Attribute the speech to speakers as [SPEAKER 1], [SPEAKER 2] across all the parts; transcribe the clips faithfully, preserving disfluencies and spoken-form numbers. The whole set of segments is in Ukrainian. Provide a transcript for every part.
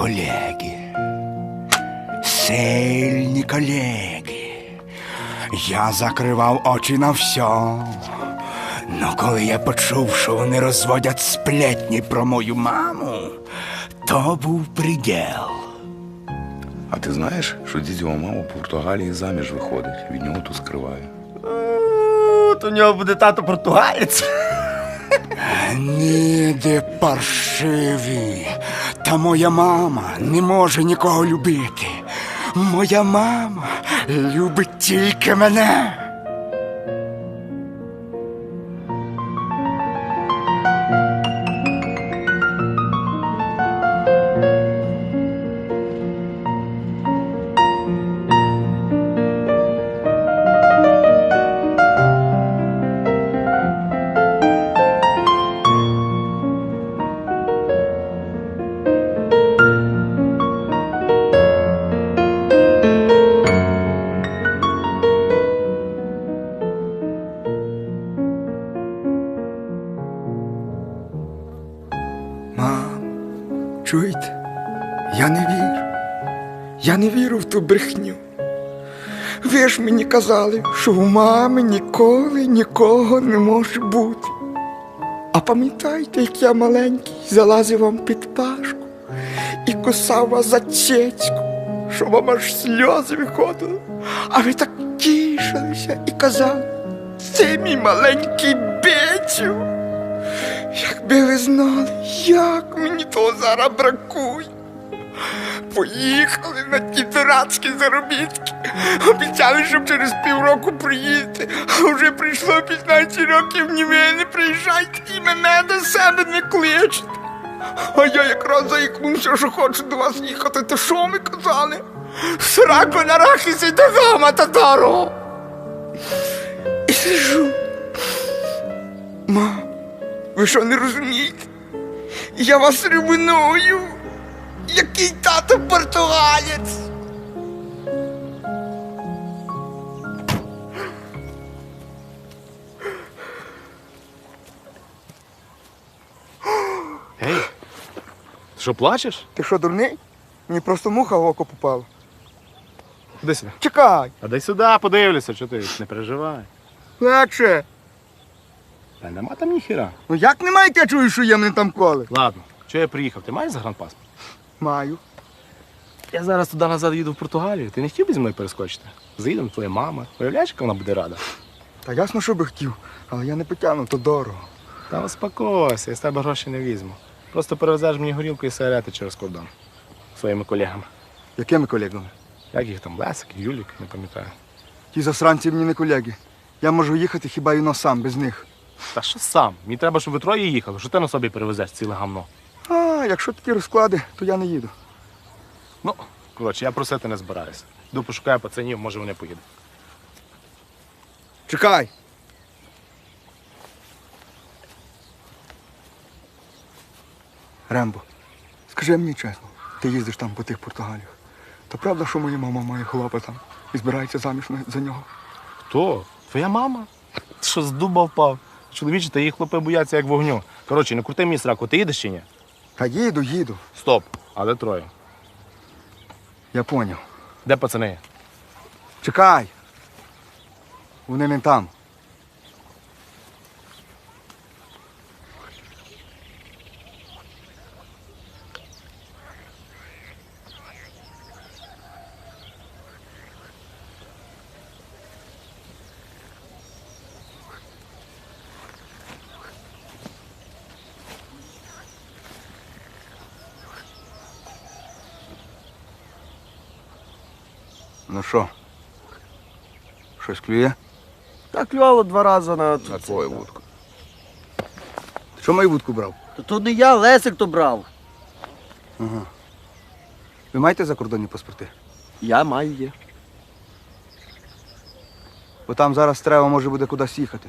[SPEAKER 1] колеги. Сильні колеги. Я закривав очі на все. Но коли я почув, що вони розводять сплетні про мою маму, то був приділ.
[SPEAKER 2] А ти знаєш, що дідьова мама в Португалії заміж виходить, від нього тут скриває.
[SPEAKER 3] То у нього буде тато португалець.
[SPEAKER 1] Ніде паршиві. Та моя мама не може нікого любити. Моя мама любить тільки мене. Чуєте? Я не вірю. Я не вірю в ту брехню. Ви ж мені казали, що у мами ніколи нікого не може бути. А пам'ятаєте, як я маленький залазив вам під пашку і кусав вас за цецьку, що вам аж сльози виходили, а ви так тішилися і казали: це мій маленький Бетю. Якби ви знали, як мені того зараз бракує. Поїхали на ті дурацькі заробітки. Обіцяли, щоб через півроку приїдете. А вже прийшло п'ятнадцять років, ні ви не приїжджайте і мене до себе не кличете. А я якраз заїкнувся, що хочу до вас їхати. То що ми казали? Сраку на рахісі до дома, татаро. І сижу. Мам, ви що, не розумієте? Я вас ревную. Який тато португалець.
[SPEAKER 3] Ей, ти що, плачеш?
[SPEAKER 1] Ти що, дурний? Мені просто муха в око попала.
[SPEAKER 3] Ходи сюди.
[SPEAKER 1] Чекай.
[SPEAKER 3] А дай сюди, подивлюся, що ти, не переживай.
[SPEAKER 1] Легше.
[SPEAKER 3] Та нема там ніхіра.
[SPEAKER 1] Ну як немає, як я чую, що є мене там коли?
[SPEAKER 3] Ладно, чого я приїхав? Ти маєш загранпаспорт?
[SPEAKER 1] Маю.
[SPEAKER 3] Я зараз туди назад їду в Португалію. Ти не хотів би зі мною перескочити? Заїдемо, твоя мама. Уявляєш, яка вона буде рада?
[SPEAKER 1] Та ясно, що би хотів, але я не потягну, то дорого.
[SPEAKER 3] Та успокойся, я з тебе гроші не візьму. Просто перевезеш мені горілку і сигарети через кордон. Своїми колегами.
[SPEAKER 1] Якими колегами?
[SPEAKER 3] Як їх там, Лесик, Юлік, не пам'ятаю.
[SPEAKER 1] Ті засранці мені не колеги. Я можу їхати хіба й но сам, без них.
[SPEAKER 3] Та що сам? Мені треба, щоб ви троє їхали. Що ти на собі перевезеш ціле гамно?
[SPEAKER 1] А, якщо такі розклади, то я не їду.
[SPEAKER 3] Ну, коротше, я просити не збираюся. Йду пошукаю пацанів, може вони поїдуть.
[SPEAKER 1] Чекай. Рембо, скажи мені чесно, ти їздиш там по тих Португаліях. То правда, що моя мама має хлопа там і збирається заміж за нього?
[SPEAKER 3] Хто? Твоя мама? Ти що, з дуба впав? Чоловічі та її хлопи бояться як вогню. Коротше, не крути мені сраку, ти їдеш чи ні?
[SPEAKER 1] Та їду, їду.
[SPEAKER 3] Стоп, а де троє?
[SPEAKER 1] Я поняв.
[SPEAKER 3] Де пацани?
[SPEAKER 1] Чекай. Вони не там. Ну що? Щось клює?
[SPEAKER 4] Так клювало два рази на...
[SPEAKER 2] На твою вудку.
[SPEAKER 1] Ти що мою вудку брав?
[SPEAKER 4] То, то не я, Лесик то брав.
[SPEAKER 1] Ага. Ви маєте закордонні паспорти?
[SPEAKER 4] Я маю є.
[SPEAKER 1] Бо там зараз треба може буде кудись їхати.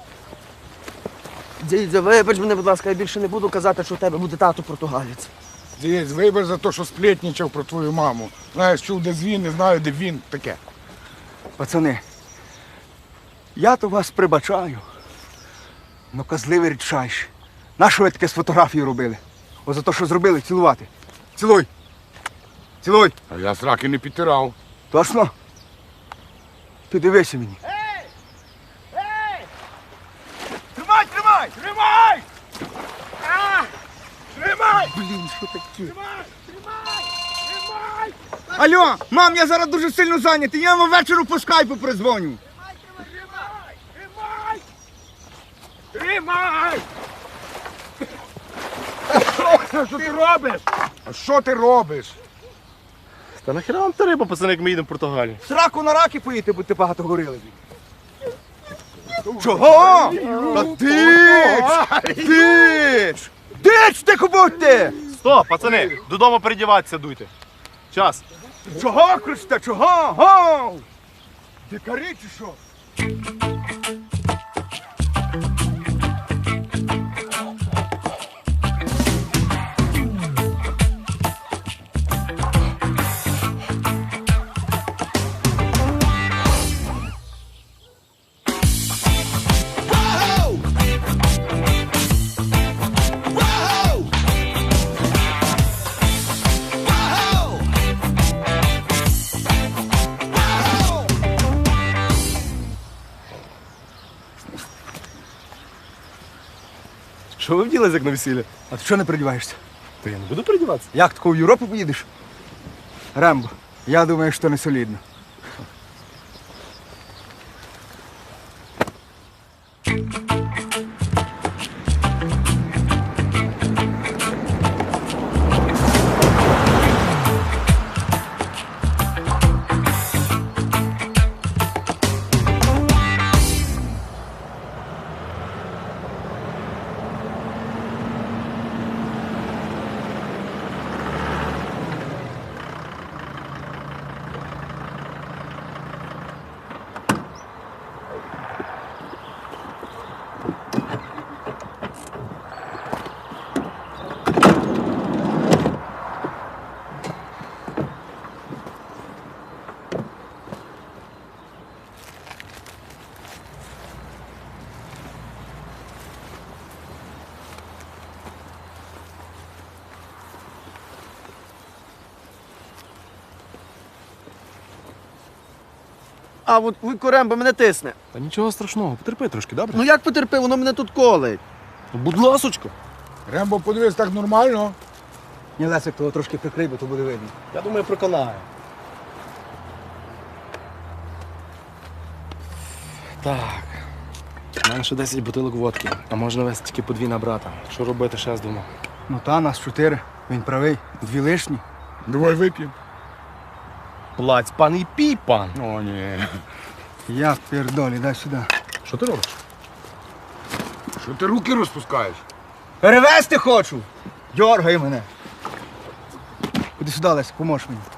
[SPEAKER 4] Дідзя, вибач мене, будь ласка, я більше не буду казати, що у тебе буде тато португалець.
[SPEAKER 5] Дивись, вибір за те, що сплетничав про твою маму. Знаєш, чув, де він, не знаю, де він, таке.
[SPEAKER 1] Пацани, я то вас прибачаю. Ну, козливий рідчайші. Нащо ви таке з фотографії робили? О, за те, що зробили, цілувати. Цілуй. Цілуй.
[SPEAKER 5] А я сраки не підтирав.
[SPEAKER 1] Точно? Ти дивися мені.
[SPEAKER 5] Тримай, тримай! Тримай! А! Тримай!
[SPEAKER 1] Блін, що таке?
[SPEAKER 5] Тримай! Тримай! Тримай!
[SPEAKER 1] Алло, мам, я зараз дуже сильно зайнятий. Я вам ввечері по скайпу призвоню.
[SPEAKER 5] Тримай! Тримай! Тримай! Що ти робиш? А що ти робиш?
[SPEAKER 3] Та нахіра вам та риба, пацани, як ми їдемо в Португалію?
[SPEAKER 1] Сраку на раки поїти, бо ти багато горили. Чого? Та дич! Дич! Дич, ти будьте!
[SPEAKER 3] Стоп, пацани, додому передіватися дуйте. Час.
[SPEAKER 1] Чого кричите? Чого? Гоу! Дикарі чи що?
[SPEAKER 3] Що ви вділись, як на весілля?
[SPEAKER 1] А ти чого не передіваєшся?
[SPEAKER 3] Та я не буду передіватися.
[SPEAKER 1] Як тако в Європу поїдеш? Рембо, я думаю, що не солідно.
[SPEAKER 4] А от Вуйко Рембо мене тисне.
[SPEAKER 3] Та нічого страшного, потерпи трошки, добре?
[SPEAKER 4] Ну як потерпи, воно мене тут колить.
[SPEAKER 3] Ну, будь ласочка.
[SPEAKER 5] Рембо, подивись, так нормально.
[SPEAKER 1] Ні, Лесик, того трошки прикрий, бо то буде видно.
[SPEAKER 3] Я думаю, проконаю. Так. У мене ще десять бутилок водки, а можна вести тільки по дві на брата. Що робити, ще з думав.
[SPEAKER 1] Ну та, нас чотири. Він правий. Дві лишні.
[SPEAKER 5] Давай вип'ємо.
[SPEAKER 3] Плаць, пан і пій, пан.
[SPEAKER 5] О, ні.
[SPEAKER 1] Я пердолі, дай сюди.
[SPEAKER 3] Що ти робиш?
[SPEAKER 5] Що ти руки розпускаєш?
[SPEAKER 1] Перевезти хочу! Дьоргай мене. Куди сюди, Лесик, поможеш мені.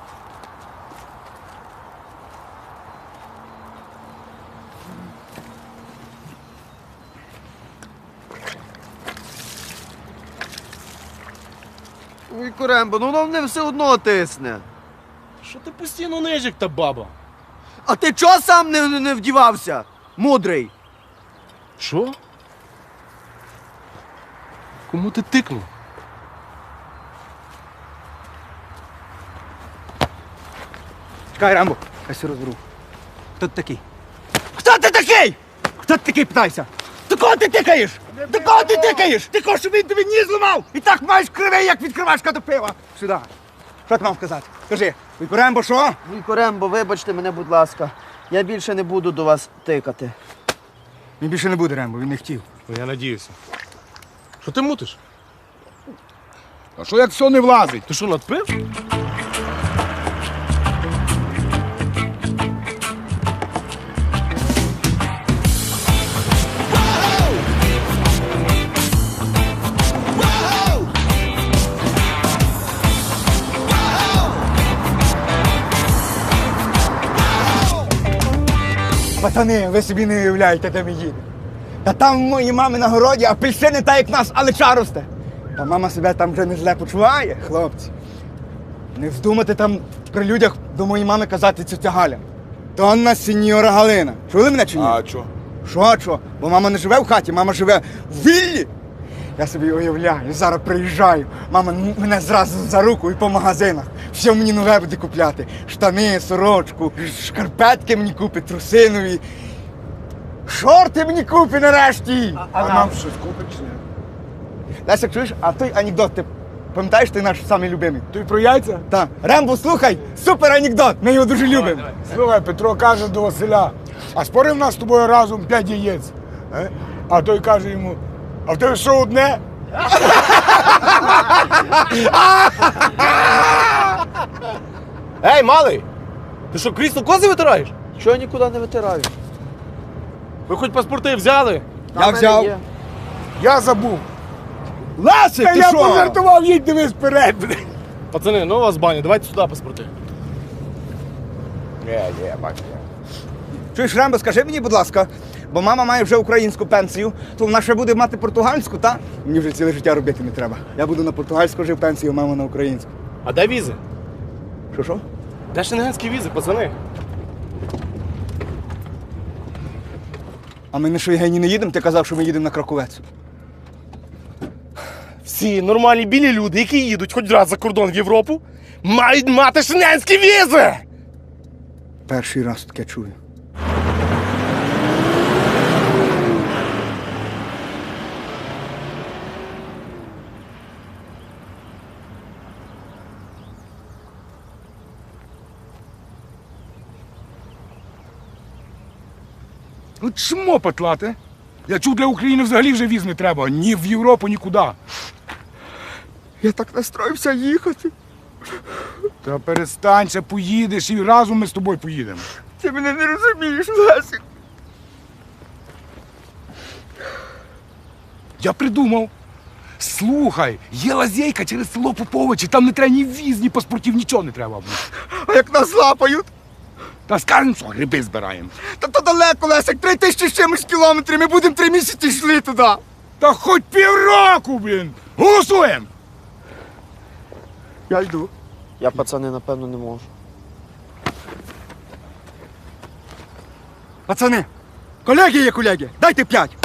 [SPEAKER 4] Вуйко Рембо, ну воно мене все одно тисне.
[SPEAKER 3] Що ти постійно нижик та баба?
[SPEAKER 4] А ти чого сам не, не, не вдівався? Мудрий.
[SPEAKER 3] Що? Кому ти тикнув?
[SPEAKER 1] Чекай, Рембо, я все розберу. Хто ти такий? Хто ти такий? Хто ти такий, питайся? До кого ти тикаєш? До кого ти тикаєш? Ти хочеш, щоб він тобі ніс зламав? І так маєш кривий, як відкривачка до пива. Сюди. Що ти мав сказати? Кажи, Вуйко Рембо, що?
[SPEAKER 4] Вуйко Рембо, вибачте мене, будь ласка. Я більше не буду до вас тикати.
[SPEAKER 1] Він більше не буде, Рембо, він не хотів.
[SPEAKER 3] Ну, я надіюся. Що ти мутиш?
[SPEAKER 5] А що як все не влазить?
[SPEAKER 3] Ти що, надпив?
[SPEAKER 1] Пацани, ви собі не уявляєте, де ми їдемо. Та там в моїй мами на городі апельсини та як нас, але росте. Та мама себе там вже не зле почуває, хлопці. Не вздумайте там при людях до моєї мами казати цю Галя. То Анна сеньора Галина. Чули мене чи ні?
[SPEAKER 5] А що?
[SPEAKER 1] Що, що? Бо мама не живе в хаті, мама живе в віллі. Я собі уявляю, зараз приїжджаю, мама м- мене зразу за руку і по магазинах. Все мені нове буде купляти. Штани, сорочку, шкарпетки мені купить, трусинові. Шорти мені купить нарешті.
[SPEAKER 5] А нам щось купить чи ні?
[SPEAKER 1] Лесик, чуєш, а той анекдот, ти пам'ятаєш, ти наш самий любимий?
[SPEAKER 5] Ти про яйця?
[SPEAKER 1] Так. Рембо, слухай, супер анекдот, ми його дуже любимо.
[SPEAKER 5] Слухай, Петро каже до Василя, а спорив нас з тобою разом п'ять яєць. Е? А той каже йому, а в тебе що одне?
[SPEAKER 3] Ей, малий! Ти що, крісло кози витираєш?
[SPEAKER 4] Чого я нікуди не витираю?
[SPEAKER 3] Ви хоч паспорти взяли?
[SPEAKER 4] Та
[SPEAKER 1] Я
[SPEAKER 4] в мене
[SPEAKER 1] взяв.
[SPEAKER 4] є.
[SPEAKER 5] Я забув.
[SPEAKER 1] Лесик,
[SPEAKER 5] Та
[SPEAKER 1] ти
[SPEAKER 5] я
[SPEAKER 1] що?
[SPEAKER 5] пожартував, їдь дивись вперед.
[SPEAKER 3] Пацани, ну у вас баня, давайте сюди паспорти.
[SPEAKER 5] Ні, ні, бачу.
[SPEAKER 1] Чуєш, Рембо, скажи мені, будь ласка, бо мама має вже українську пенсію, то вона ще буде мати португальську, та? Мені вже ціле життя робити не треба. Я буду на португальську жив пенсію, мама на українську.
[SPEAKER 3] А де візи?
[SPEAKER 1] Що, що?
[SPEAKER 3] Де шенгенські візи, пацани?
[SPEAKER 1] А ми на Шойгені не їдемо? Ти казав, що ми їдемо на Краковець.
[SPEAKER 3] Всі нормальні білі люди, які їдуть хоч раз за кордон в Європу, мають мати шенгенські візи!
[SPEAKER 1] Перший раз таке чую.
[SPEAKER 5] Ну чмо петлати? Я чув, для України взагалі вже віз не треба. Ні в Європу, нікуди.
[SPEAKER 1] Я так настроївся їхати.
[SPEAKER 5] Та перестань, ще поїдеш і разом ми з тобою поїдемо.
[SPEAKER 1] Ти мене не розумієш, Лесик.
[SPEAKER 5] Я придумав. Слухай, є лазейка через село Поповичі, там не треба ні віз, ні паспортів, нічого не треба.
[SPEAKER 1] А як нас лапають?
[SPEAKER 5] Та скажемо, що гриби збираємо.
[SPEAKER 1] Та то далеко, Лесик, три тисячі з чимось кілометрів, ми будемо три місяці йшли туди.
[SPEAKER 5] Та хоч півроку, блін! Голосуємо!
[SPEAKER 1] Я йду.
[SPEAKER 4] Я, пацани, напевно, не можу.
[SPEAKER 1] Пацани, колеги є колеги, дайте п'ять.